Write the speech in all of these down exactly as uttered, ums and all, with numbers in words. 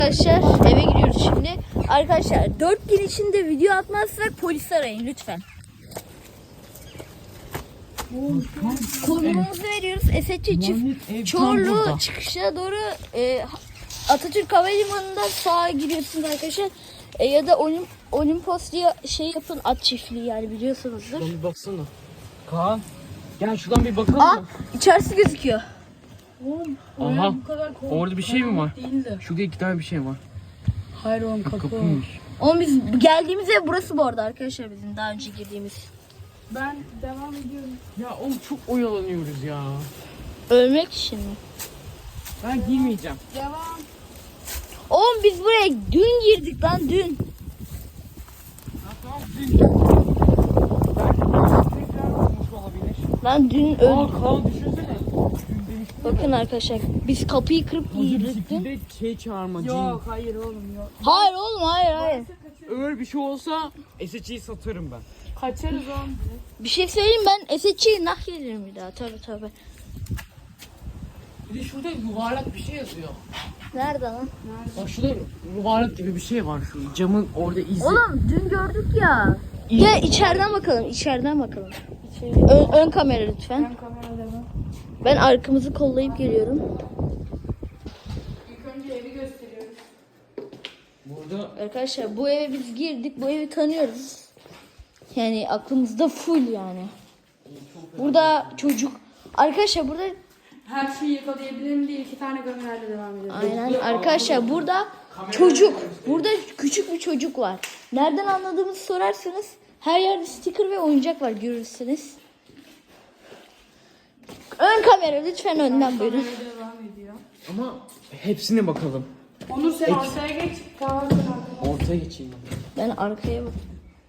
Arkadaşlar eve giriyoruz şimdi. Arkadaşlar dört gün içinde video atmazsak polis arayın lütfen. Konumumuzu veriyoruz. Esetçi çift Çorlu çıkışa doğru e, Atatürk Havalimanı'ndan sağa giriyorsunuz arkadaşlar. E, ya da Olimp Olimpos diye şey yapın, at çiftliği yani biliyorsunuzdur. Şuradan bir baksana. Kaan gel şuradan bir bakalım. Aa, içerisi gözüküyor. Oğlum, Aha bu kadar orada bir şey mi var? Değildi. Şurada iki tane bir şey var. Hayır oğlum kapı. Kapıymış. Oğlum biz geldiğimiz ev burası bu arada arkadaşlar, bizim daha önce girdiğimiz. Ben devam ediyorum. Ya oğlum çok oyalanıyoruz ya. Ölmek için mi? Ben girmeyeceğim. Devam. Oğlum biz buraya dün girdik lan dün. Ha, tamam dün. Belki tekrar olmuş olabilir. Lan dün Aa öldük. Kaan düşünsene. Dün demiştim ya. Bakın arkadaşlar biz kapıyı kırıp girdik dün. Bir de şey çağırma. Yok hayır oğlum yok. Hayır oğlum hayır hayır. Öyle bir şey olsa S H'i satarım ben. Kaçarız oğlum. Bir şey söyleyeyim, ben S H'yi nah gelirim bir daha, tabi tabi. Bir de şurada yuvarlak bir şey yazıyor. Nerede lan? Bak şurada yuvarlak gibi bir şey var şu camın orada izi. Oğlum dün gördük ya. Gel içeriden bakalım, içeriden bakalım. Ön, ön kamera lütfen. Ben kamerada mı? Ben arkamızı kollayıp geliyorum. İlk önce evi gösteriyoruz. Burada Arkadaşlar bu eve biz girdik, bu evi tanıyoruz. Yani aklımızda full yani. Burada çocuk. Arkadaşlar burada Her şeyi yakalayabilirim diye iki tane kamerayla devam ediyoruz. aynen arkadaşlar burada çocuk. Burada küçük bir çocuk var. Nereden anladığımızı sorarsanız her yerde sticker ve oyuncak var, görürsünüz. Ön kamera lütfen, önden buyurun. Kamera devam ediyor. ama hepsine bakalım. Onur sen ortaya geç. Kaan sen arkaya. Ortaya geçeyim ben. Ben arkaya bak.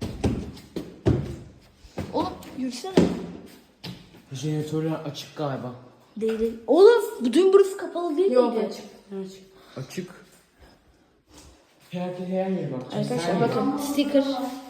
Oğlum yürüsene. Jeneratörler açık galiba. Değil değil. Oğlum bu dün burası kapalı değil Yok miydi? açık. Açık. Açık. Herkes her yere bakacağız. Arkadaşlar Her bakın sticker.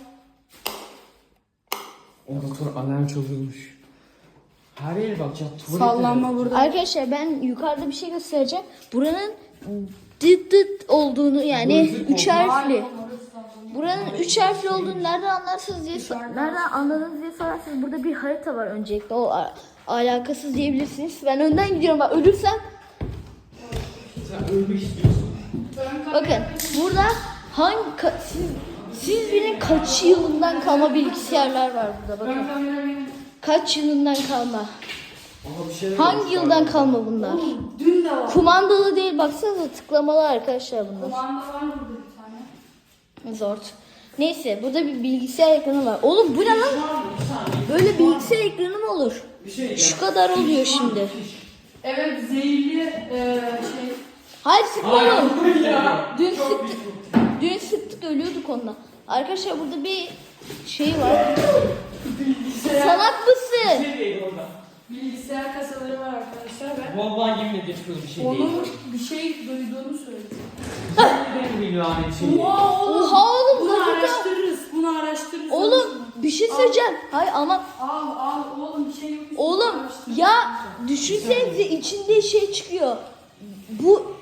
Orada sonra alarm çalıyormuş. Her yere bakacağız. Tuvalete Sallanma de- burada. Arkadaşlar ben yukarıda bir şey göstereceğim. Buranın dıt dıt olduğunu, yani üç harfli. Buranın üç harfli olduğunu nereden anlarsınız diye sor- nereden anladınız diye sorarsanız burada bir harita var öncelikle. O a- alakasız diyebilirsiniz. Ben önden gidiyorum, bak ölürsem. Sen ölmek istiyorsun. Bakın burada hangi ka- siz, siz bilin kaç yılından kalma bilgisayarlar var burada, bakın. Ben kamerayı. Kaç yılından kalma. Aha bir şeyler Hangi yıldan kalma bunlar? Dün de var. Kumandalı değil, baksanıza tıklamalı arkadaşlar bunlar. Kumanda var burada bir tane. Zor. Neyse burada bir bilgisayar ekranı var. Oğlum bu ne lan? Böyle bilgisayar ekranı mı olur? Şu kadar oluyor şimdi. Evet zehirli e, şey. Hayır sıkma oğlum. Dün sıktık. Dün sıktık ölüyorduk onunla. Arkadaşlar burada bir şey var. Salak mısın? Bilgisayar kasaları var arkadaşlar ve Vallahi yemin ederim bir şey değil. onun bir şey duyduğunu söyledi. Benim bir lanet şey değil. Oha oğlum. Oha oğlum Bunu gazete. araştırırız. Bunu araştırırız. Oğlum bir şey söyleyeceğim. Hayır ama Al al oğlum bir şey yok. oğlum ya düşünsenize içinde şey çıkıyor. Bu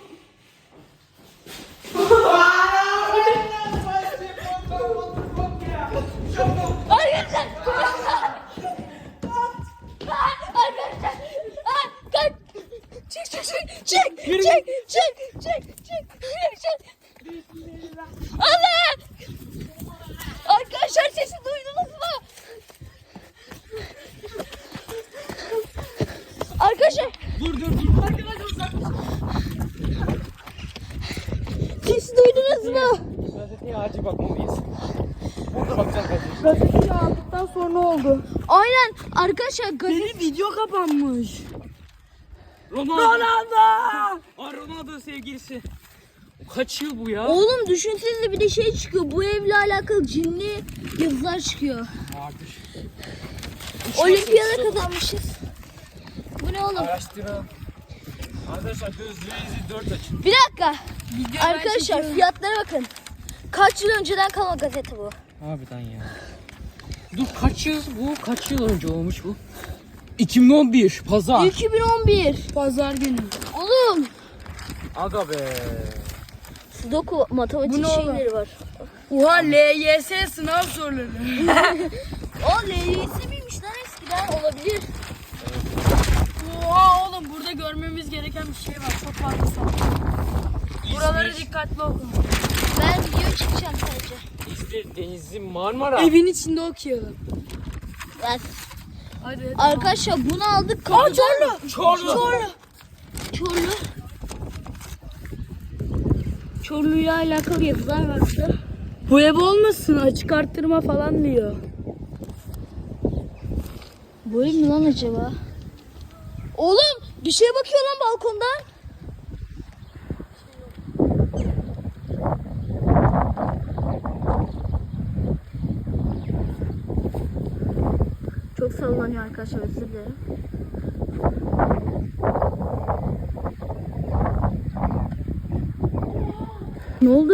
Arkadaşlar. Arkadaşlar. Aa, kaç. Çık çık çık. Çık. Çık. Çık. Çık. Çık. Çık. Allah. Arkadaşlar sesi duydunuz mu? Arkadaşlar. Dur dur dur. Arkadaşlar uzaklaşın. Sesi duydunuz mu? Gazeteye acil bakmalıyız. Burada bakacağız gazeteye. Gazeteyi aldıktan sonra oldu. Aynen arkadaşlar gazete. Benim video kapanmış. Ronaldo. Ronaldo. Aa, Ronaldo sevgilisi. Kaç yıl bu ya? Oğlum düşünsenize bir de şey çıkıyor. Bu evle alakalı cinli yazılar çıkıyor. Vardır. Olimpiyada kazanmışız. Bu ne oğlum? Araştıralım. Arkadaşlar gözlerinizi dört açın. Bir dakika. Arkadaşlar fiyatlara bakın. Kaç yıl önceden kalma gazete bu. Harbiden ya. Dur kaç yıl bu? Kaç yıl önce olmuş bu? iki bin on bir pazar. iki bin on bir. Pazar günü. Oğlum. Aga be. Sudoku matematik Bu ne oğlum? şeyleri var. Oha L Y S sınav soruları. O L Y S miymiş lan eskiden olabilir. Oha oğlum burada görmemiz gereken bir şey var. Çok fazla soru. Buraları İzmir, dikkatli okuyun. Ben video çekeceğim sadece. İzmir, Denizli, Marmara. Evin içinde okuyalım. Ben... Hadi. Arkadaşlar bunu aldık. Aa kapıdan- Çorlu. Çorlu. Çorlu. Çorlu. Çorlu'yla alakalı yazılar var burada. Bu ev olmasın, açık arttırma falan diyor. Bu ev mi lan acaba? Oğlum bir şeye bakıyor lan balkondan. Çok sallanıyor arkadaşlar, özür dilerim. Ne oldu?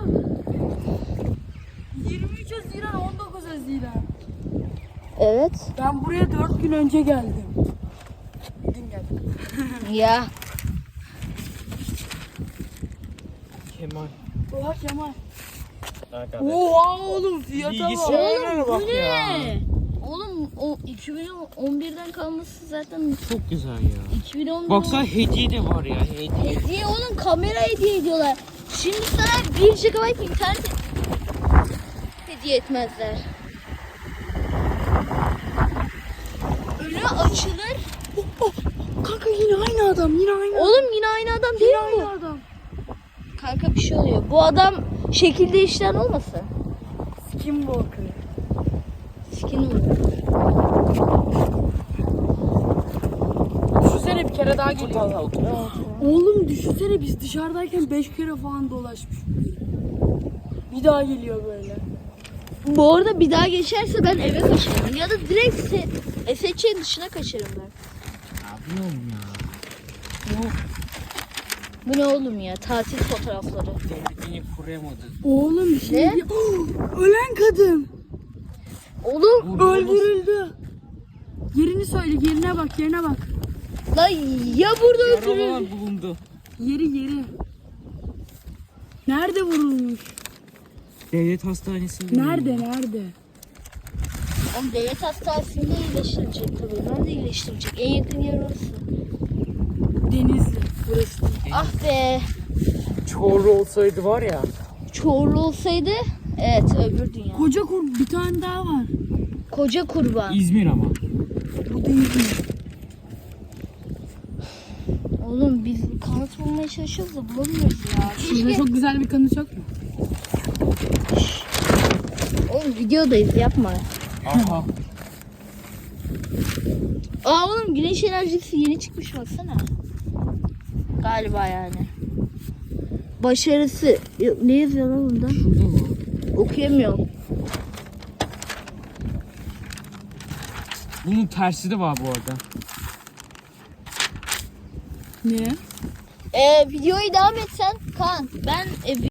yirmi üç Haziran on dokuz Haziran. Evet. Ben buraya dört gün önce geldim. Dün geldim. Ya. Kemal. Oha Kemal. Arkadaş. Oha oğlum fiyata bak. Bilgisayarlara bak ya. Oğlum o iki bin on birden kalması zaten Çok güzel ya. iki bin on bir. Baksana hediye de var ya. Hediye. Hediye oğlum, kamera hediye ediyorlar. Şimdi sana bir gigabayt internet hediye etmezler. Önü açılır. Oh, oh. Kanka yine aynı adam, yine aynı adam. Oğlum yine aynı adam değil Yine mi aynı bu? adam. Kanka bir şey oluyor. Bu adam şekilde işten olmasın? Skinwalker. Skin oluyor. Düşünsene bir kere daha geliyor. Vallahi otur. Oğlum düşünsene biz dışarıdayken beş kere falan dolaşmış. Bir daha geliyor böyle. Bu arada bir daha geçerse ben eve kaçarım. Ya da direkt se S H C'nin dışına kaçarım ben. Abi ne oğlum ya? Bu ne oğlum ya? Tatil fotoğrafları. Devletini kuramadı. Oğlum bir şey Ne? diyor. Oh, ölen kadın. Oğlum Öldürüldü. Yerini söyle, yerine bak, yerine bak. lan ya burada öldürür. Yaralılar bulundu. Yeri yeri. Nerede vurulmuş? Devlet hastanesinde. Nerede, nerede? Oğlum devlet hastanesinde iyileştirecek tabii. Ben de iyileştirecek. En yakın yer orası. Denizli. Burası değil. Ah be. Çorlu olsaydı var ya. Çorlu olsaydı evet öbür dünya. Koca kur bir tane daha var. Koca kurban. İzmir ama. Bu değil mi? Oğlum biz kanıt bulmaya çalışıyoruz da bulamıyoruz ya. Şurada Keşke... çok güzel bir kanıt yok mu? Oğlum videodayız, yapma. Aha. Aa oğlum güneş enerjisi yeni çıkmış, baksana. Galiba yani. Başarısı. Yok, ne yazıyor lan bunda? Şurada mı? Okuyamıyorum. Bunun tersi de var bu arada. Ne? Ee, videoyu devam etsen Kaan. Ben e,